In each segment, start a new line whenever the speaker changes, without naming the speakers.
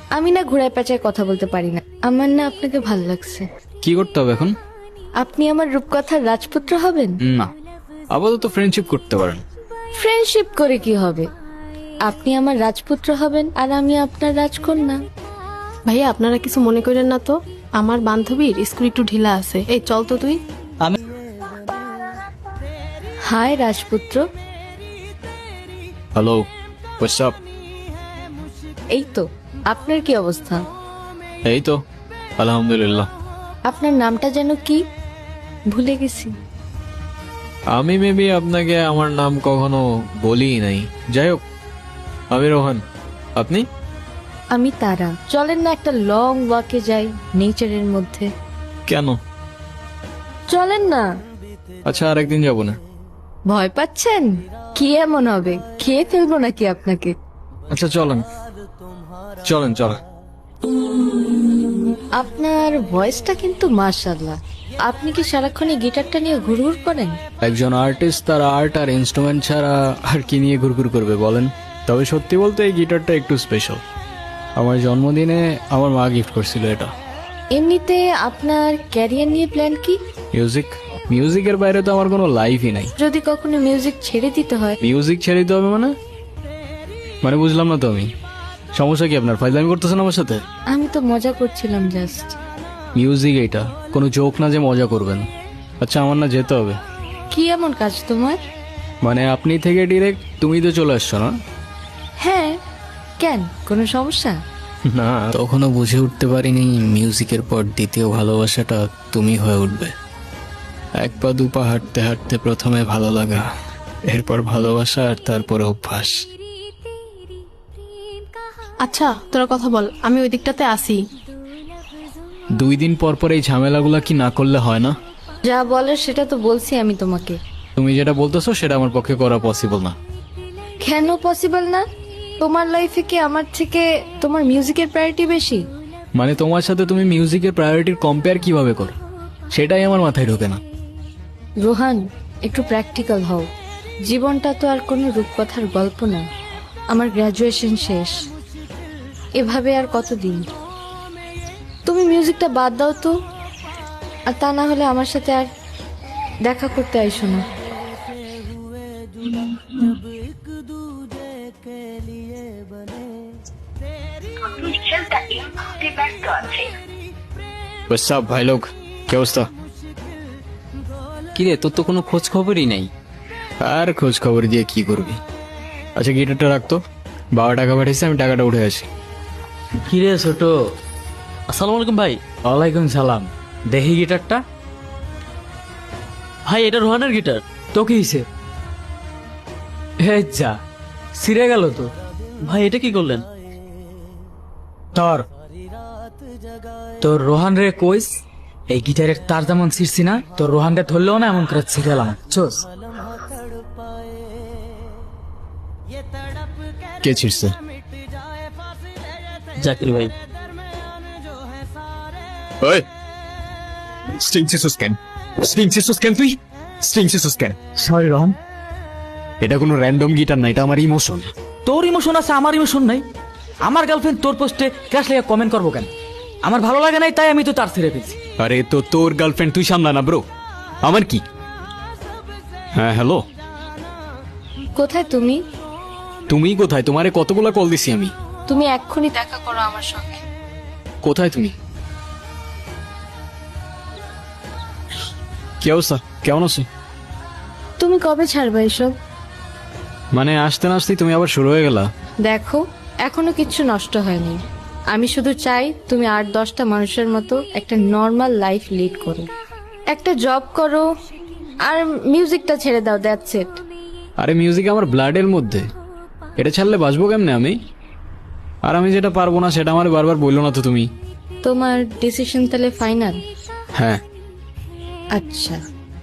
আমি না ঘোড়ায় পেঁচায় কথা বলতে পারি না। আমার না আপনাকে ভাল লাগছে।
কি করতে হবে এখন?
আপনি আমার রূপকথার রাজপুত্র হবেন।
না, আপাতত ফ্রেন্ডশিপ করতে পারেন।
ফ্রেন্ডশিপ করে কি হবে? আপনি আমার রাজপুত্র হবেন আর আমি আপনার রাজকন্যা।
ভাইয়া আপনারা কিছু মনে করেন না তো, আমার বান্ধবীর স্কুল একটু ঢিলা আছে, এই চল তো তুই।
হাই রাজপুত্র।
Hello, what's up?
এই তো, আপনার কি অবস্থা?
এই তো আলহামদুলিল্লাহ।
আপনার নামটা যেন কি, ভুলে গেছি।
আমি মেবি আপনাকে আমার নাম কখনো বলিই নাই। যাই হোক, আমি রোহান। আপনি?
আমি তারা। চলেন না একটা লং ওয়াকে যাই নেচারের মধ্যে।
কেন?
চলেন না।
আচ্ছা, আরেকদিন যাবো না।
ভয় পাচ্ছেন? কি এমন হবে, খেয়ে ফেলবো নাকি আপনাকে?
আচ্ছা চলেন চলেন চলেন।
আপনার ভয়েসটা কিন্তু মাশাআল্লাহ। আপনি কি সারাক্ষণ এই গিটারটা নিয়ে ঘুরঘুর করেন?
একজন আর্টিস্ট তার আর্ট আর ইনস্ট্রুমেন্ট ছাড়া আর কি নিয়ে ঘুরঘুর করবে বলেন? তবে সত্যি বলতে এই গিটারটা একটু স্পেশাল। আমার জন্মদিনে আমার মা গিফট করছিল এটা।
এমনিতে আপনার ক্যারিয়ার নিয়ে প্ল্যান কি?
মিউজিকের বাইরে তো আমার কোনো লাইফই নাই।
যদি কখনো মিউজিক ছেড়ে দিতে হয়?
মিউজিক ছেড়ে দিতে হবে মানে বুঝলাম না তো আমি। সমস্যা কি আপনার? ফাইজলামি করতেছেন আমার সাথে?
আমি তো মজা করছিলাম জাস্ট।
মিউজিক এটা কোনো জোক না যে মজা করবেন। আচ্ছা, আমার না যেতে হবে।
কি এমন কাজ তোমার?
মানে আপনি থেকে ডিরেক্ট তুমি তো চলে আসছো না?
হ্যাঁ, কেন, কোনো সমস্যা?
না, তখনও বুঝে উঠতে পারিনি মিউজিকের পর দ্বিতীয় ভালোবাসাটা তুমি হয়ে উঠবে। এক পা দুপা হাঁটতে হাঁটতে প্রথমে ভালো লাগা, এরপর ভালোবাসা, আর তারপরে অভ্যাস।
আচ্ছা তোরা কথা বল, আমি ওই দিকটাতে আসি।
2 দিন পর পর এই ঝামেলাগুলা কি না করলে হয় না?
যা বলার সেটা তো বলছি আমি তোমাকে।
তুমি যেটা বলতেছো সেটা আমার পক্ষে করা পসিবল না।
কেন পসিবল না? তোমার লাইফে কি আমার থেকে তোমার মিউজিকের প্রায়োরিটি বেশি?
মানে তোমার সাথে তুমি মিউজিকের প্রায়োরিটির কম্পেয়ার কিভাবে করো সেটাই আমার মাথায় ঢোকে না।
রোহান, একটু প্র্যাকটিক্যাল হও। জীবনটা তো আর কোনো রূপকথার গল্প না। আমার গ্র্যাজুয়েশন শেষ, এভাবে আর কতদিন? তুমি মিউজিকটা বাদ দাও তো, আর তা না হলে আমার সাথে আর দেখা করতে আইসো না।
সব ভাই লোক, কি অবস্থা?
কিরে, তোর তো কোনো খোঁজ খবরই নাই।
আর খোঁজ খবর দিয়ে কি করবি? আচ্ছা, গিটারটা রাখতো। বাবা টাকা পাঠিয়েছে, আমি টাকাটা উঠে আসি।
কিরে ছোট, আসসালামু আলাইকুম ভাই। ওয়ালাইকুম সালাম। দেখি গিটারটা। ভাই, এটা রোহানের গিটার। তো কি হয়েছে? হে যা, ছিঁড়ে গেল তো। ভাই, এটা কি করলেন? তোর তোর রোহান রে কইস, এই গিটারের তার যেমন ছিঁড়ছি না, তোর রোহান রে ধরলেও না এমন করে ছিঁড়েলাম। চোস।
কে ছিড়ছে?
জাকির ভাই।
ওই স্ট্রিং সিসুস কেন? তুই স্ট্রিং সিসুস কেন?
সরি রোহান।
এটা কোনো র্যান্ডম গিটার না, এটা আমার ইমোশন।
তোর ইমোশন আছে, আমার ইমোশন নাই। আমার গার্লফ্রেন্ড তোর পোস্টে ক্র্যাশ লেগে কমেন্ট করবো কেন? আমার ভালো লাগে নাই তাই আমি তো তার ছেড়ে ফেলছি।
আরে তো তোর গার্লফ্রেন্ড, তুই সামলা না ব্রো। আমার কি? হ্যাঁ হ্যালো,
কোথায় তুমি?
তুমি কোথায়? তোমারে কতগুলা কল দিছি আমি।
তুমি এক্ষুনি দেখা করো আমার সঙ্গে।
কোথায় তুমি? কি অবস্থা, কেমন আছো?
তুমি কবে ছাড়বে এসব?
মানে আসতে না আসতেই তুমি আবার শুরু হয়ে গেলা।
দেখো, এখনো কিচ্ছু নষ্ট হয়নি। আমি শুধু চাই তুমি 8-10টা মানুষের মতো একটা নর্মাল লাইফ লিড করো, একটা জব করো, আর মিউজিকটা ছেড়ে দাও। That's it.
আরে মিউজিক আমার ব্লাডের মধ্যে, এটা ছাড়লে বাঁচবো কেমনে আমি? আর আমি যেটা পারবো না সেটা আমার বারবার বললো না তো তুমি।
তোমার ডিসিশন তাহলে ফাইনাল?
হ্যাঁ।
আচ্ছা,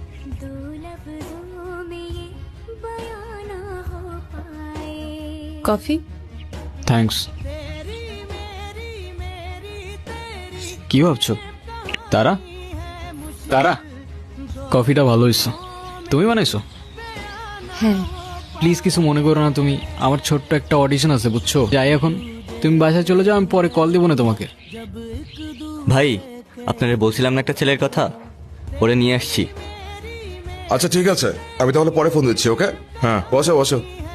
কফি?
থ্যাঙ্কস। কি ভাবছো? তারা তারা কফিটা ভালো হয়েছে। তুমি বানাইছো?
হ্যাঁ।
প্লিজ কিছু মনে করো না তুমি। আমার ছোট্ট একটা অডিশন আছে বুঝছো, যাই এখন। তুমি বাসায় চলে যাও, আমি পরে কল দিব না তোমাকে।
ভাই আপনারা বলছিলাম না একটা ছেলের কথা, ওরে নিয়ে আসছি।
আচ্ছা ঠিক আছে, আমি তাহলে পরে ফোন দিচ্ছি। ওকে, হ্যাঁ বসো বসো।